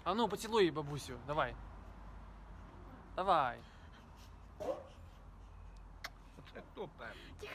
А ну, поцілуй бабусю, давай. Давай. Це хто перший?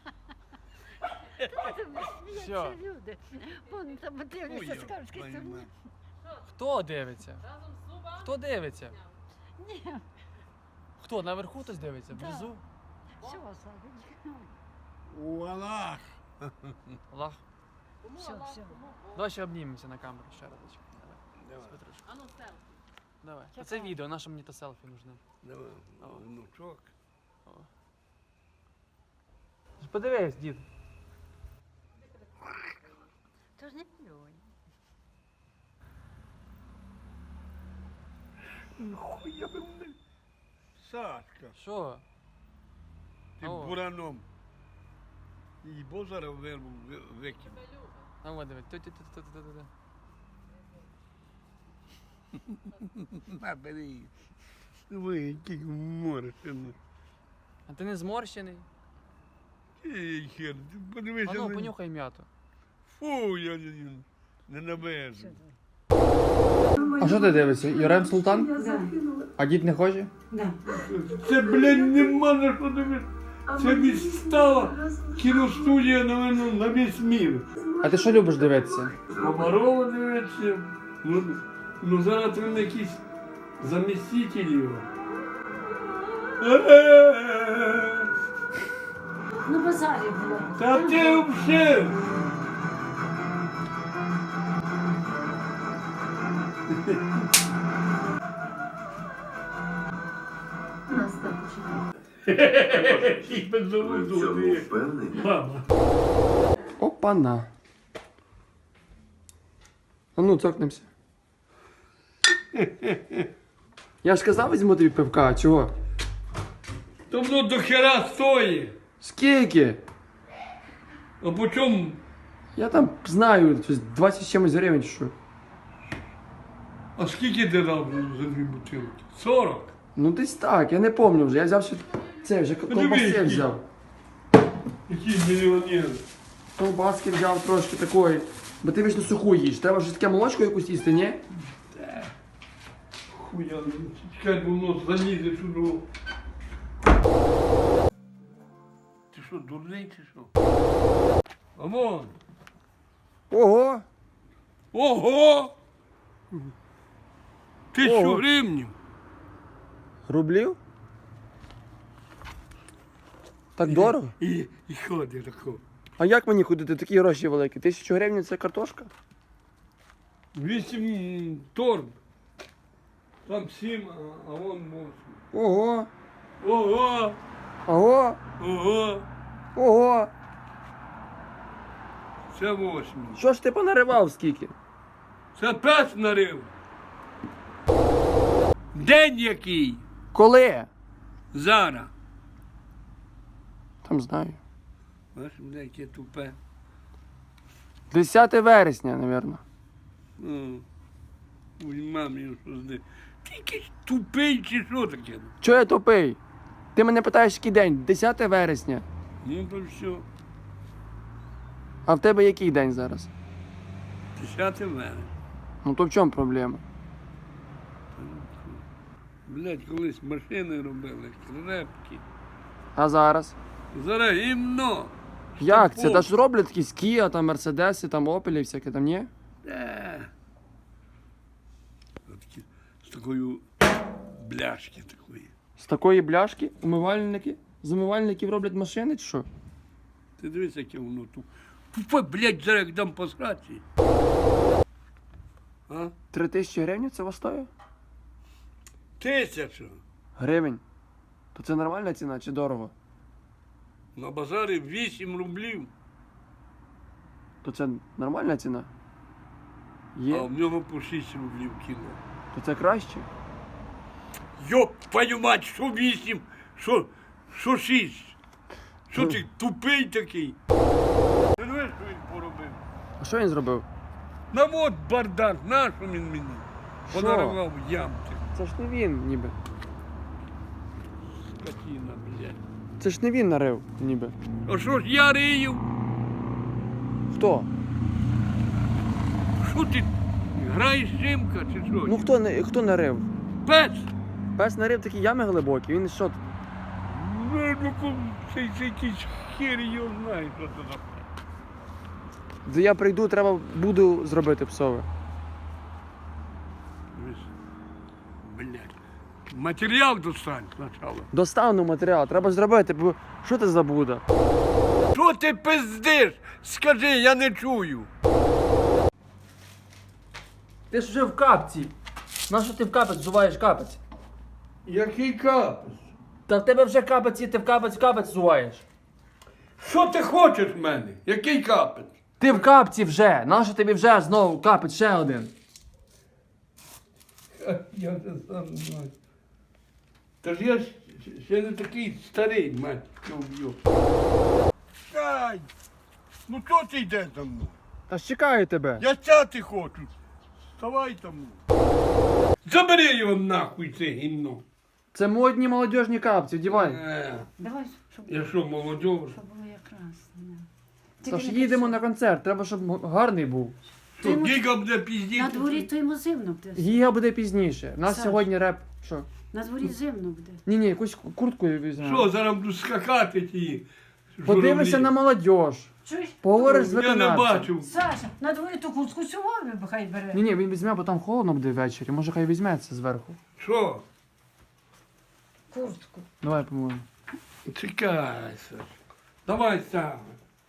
Всьо. Люди. Вон там дивляться, Ой, скажуть, що твою мать. Хто дивиться? Хто дивиться? ні. Хто, наверху хтось дивиться? Да. Внизу? Все, Славик. Аллах. Аллах. Все, все. Давай ще обнімемося на камеру ще разочек. Давай. Давай. З Петрушкою. А ну селфі. Давай. Чекай. Це відео, наше мені то селфі нужне. Давай, внучок. Подивись, дід. Тож не плюнь. Хуя би мене. Сашка, Що? ти О. бураном. І бо зараз вирву викину. А от дивись. Ту-ту-ту-ту-ту-ту. На, бери. Ви, який морщений. А ти не зморщений? Ей, хер, ти подивися А ну, на- понюхай м'яту. Фу, я не навезу. А що ти дивишся? Юрем Султан? А дід не хоче? Це, блядь, нема на що дивитися. Це відстала кіностудія, напевно, на весь мір. А ти що любиш дивитися? Комарова дивиться. Ну зараз він якийсь заміститель його. Ну, базарі було. Та ти вже! Їх без заводу. Мама. Опана. А ну, цокнемося. Я ж казав, візьму тобі пивка, а чого? То воно до хера стоїть. Скільки? А по чому? Я там знаю, щось 20 з чимось гривень чи що. А скільки ти дав за дві бутилки? 40? Ну десь так, я не пам'ятаю вже. Я взяв ще це, вже ковбаси які. взяв. Який мільйонер? Ковбаски взяв трошки такої. Бо ти вічно суху їш. Треба вже таке молочко якусь їсти, ні? Хуя, чекай, бо воно залізе сюди. Ти що, дурний чи що? А вон! Ого! Ого! 1000 Ого. гривнів. Рублів? Так дорого? І ходить тако. А як мені ходити? Такі гроші великі. 1000 гривень це картошка? 8 торб. Там 7, а вон 8. Ого! Ого! Ого! Ого! Ого! Це 8. Що ж ти понаривав скільки? Це 5 нарив. День який? Коли? Зараз. Там знаю. Бачиш, мене яке тупе. 10 вересня, напевно. Ой, мамі, що зде. Ти якийсь тупий чи що таке? Чого я тупий? Ти мене питаєш, який день? 10 вересня. Ну то все. А в тебе який день зараз? 10 вересня. Ну то в чому проблема? Блядь, колись машини робили, крепкі. А зараз? Зараз гімно. Як це? Стопов. Та ж роблять якісь Kia, там Мерседеси, там Опелі, всяке там, ні? Такі, з такою бляшки такої. З такої бляшки умивальники? З умивальників роблять машини чи що? Ти дивись, яке воно тут. Тупе, блядь, зараз як дам по сраці. А? 3000 гривень це стоїть? 1000. Гривень. То це нормальна ціна чи дорого? На базарі 8 рублів. То це нормальна ціна? А Є? в нього по 6 рублів кіло. То це краще? Йоп, твою мать, що 8, що 6? Що ти тупий такий? Ти знаєш, що він поробив? А що він зробив? На от бардак, нащо він мені? Що? Понаривав ямки. Це ж не він, ніби. Скотина, блядь. Це ж не він нарив, ніби. А що ж я рию? Хто? Що ти? Граєш Симка чи що? Ну хто нарив? Пес! Пес нарив такі ями глибокі, він що? Ну, це якийсь хер його знає, що це за. Де я прийду, треба буду зробити псове. Блядь. Матеріал достань спочатку. Достану матеріал, треба зробити, бо що ти за Буда? Що ти пиздиш? Скажи, я не чую. Ти ж вже в капці. Нащо ти в капець зуваєш капець? Який капець? Та в тебе вже капець є, ти в капець зуваєш. Що ти хочеш в мене? Який капець? Ти в капці вже, нащо тобі вже знову капець ще один? Я це сам знаю. Та ж я ще не такий старий, мать, що вб'ю. Ай! Ну чого ти йдеш за мною? Та ж чекаю тебе. Я сяти хочу. Вставай там. Забери його нахуй, це гімно. Це модні молодіжні капці, вдівай. Давай, щоб Я що, молодьож? було якраз. Тож їдемо на концерт, треба, щоб гарний був. То гіга буде піздіти. На дворі то йому зимно буде. Гіга буде пізніше. У нас Саш. сьогодні реп. Що? На дворі зимно буде. Ні, якусь куртку візьмемо. Що, зараз буду скакати ті. Подивися на молодіж. Чуєш? Поговориш з Я не виконавцем. бачив. Саша, на дворі ту куртку сьогодні хай бере. Ні, він візьме, бо там холодно буде ввечері. Може хай візьметься зверху. Що? Куртку. Давай поможемо. Чекай, Саш. Давай сам.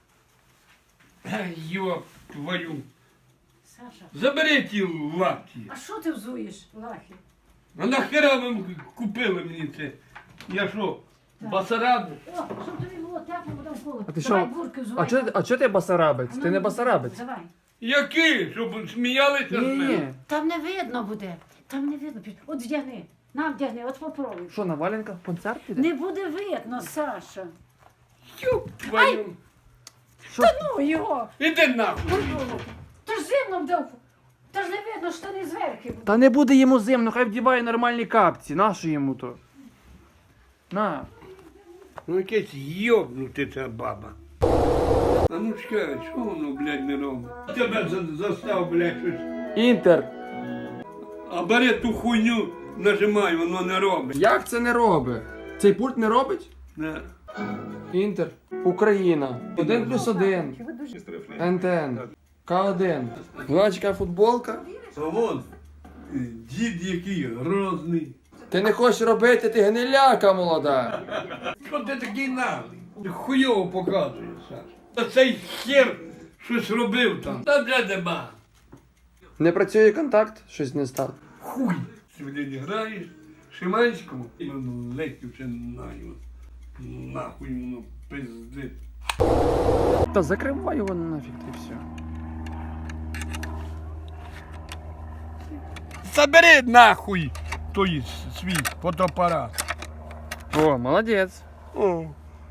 Йоп твою. Саша, Забери ті лапті. а що ти взуєш, лахи? А нахера ви купили мені це? Я що, басараду? О, щоб тобі було тепло, бо там холодно. А ти Давай що? бурки взувай. А чого ти басарабець? Ти не басарабець? Давай. Який? Щоб сміялися з Ні, мене? ні. Там не видно буде. Там не видно. От вдягни. На, вдягни, от попробуй. Що, на валенках концерт піде? Не буде видно, Саша. Йоп твою. Що? Ну його. Іди нахуй. Та ж зимно буде. Та ж не видно, що не зверху буде. Та не буде йому зимно, хай вдіває нормальні капці. Нащо йому то? На. Ну якесь йобнути ця баба. А ну чекай, що воно, блядь, не робить? Тебе застав, блядь, щось. Інтер. А бери ту хуйню, нажимай, воно не робить. Як це не робить? Цей пульт не робить? Не. Інтер. Україна. 1+1. НТН. К1. Гладська футболка. А вон, дід який грозний. Ти не хочеш робити, ти гниляка молода. Що ти такий наглий? Ти хуйово показуєш, Саш. Та цей хер щось робив там. Та де нема. Не працює контакт, щось не став. Хуй. Сьогодні граєш Шиманському. Ну, ледь вже знаю. Нахуй воно пиздить. Та закривай його нафіг і все. Забери нахуй той свій фотоапарат. О, молодець. О.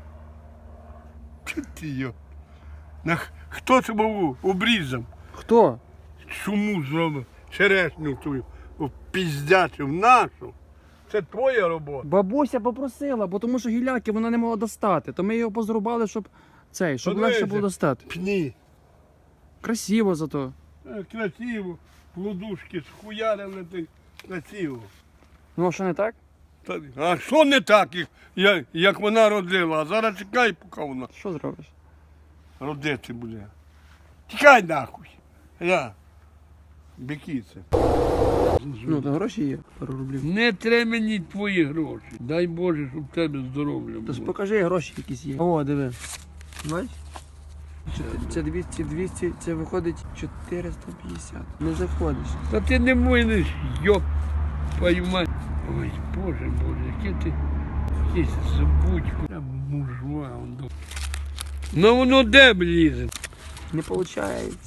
Чо ти йо? Хто це був обрізав? Хто? Чому зробив черешню твою піздячив нашу? Це твоя робота. Бабуся попросила, бо тому що гіляки вона не могла достати. То ми його позрубали, щоб щоб Подивися. легше було достати. Пні. Красиво зато. Красиво. Плодушки схуярили ти. Красиво. Ну а що не так? А що не так, як вона родила? А зараз чекай, поки вона Що зробиш? родити буде. Тікай нахуй. Я. Бікіце. Ну, то гроші є, пару рублів. Не треба мені твої гроші. Дай Боже, щоб в тебе здоров'я То ж було. покажи, гроші якісь є. О, диви. Бач? Це 200, це виходить 450. Не заходиш. Та ти не можеш, йоп, твою мать. Ой, Боже, яке ти якийсь забудько. Я мужва. Ну воно де влізе? Не виходить.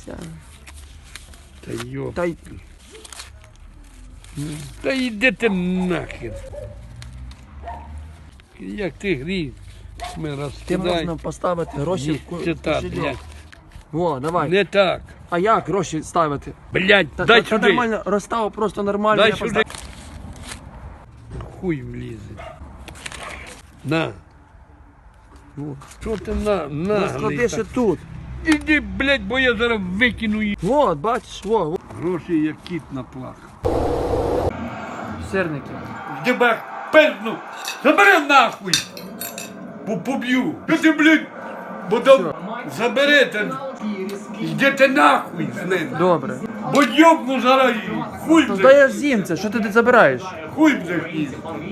Та йоп. Та й Та йди ти нахер. Як ти гріх, ми ти розкидай. можна поставити гроші в Це так, кошельок. блядь. Во, давай. Не так. А як гроші ставити? Блядь, Та, дай та сюди. нормально, розстав просто нормально. Дай я сюди. постав- Хуй влізе. На. Во. Що ти на Розклади наглий ще так? тут. Іди, блядь, бо я зараз викину її. Вот, бачиш, во. Гроші як кіт наплакав. Сирники. Тебе пизну! Забери нахуй! Поб'ю! Що ти, блядь? Заберете! Йдете нахуй з ним! Добре. Бо йобну зараз її! Хуй, То блядь! дай я з'їм це, що ти забираєш? Хуй, блядь!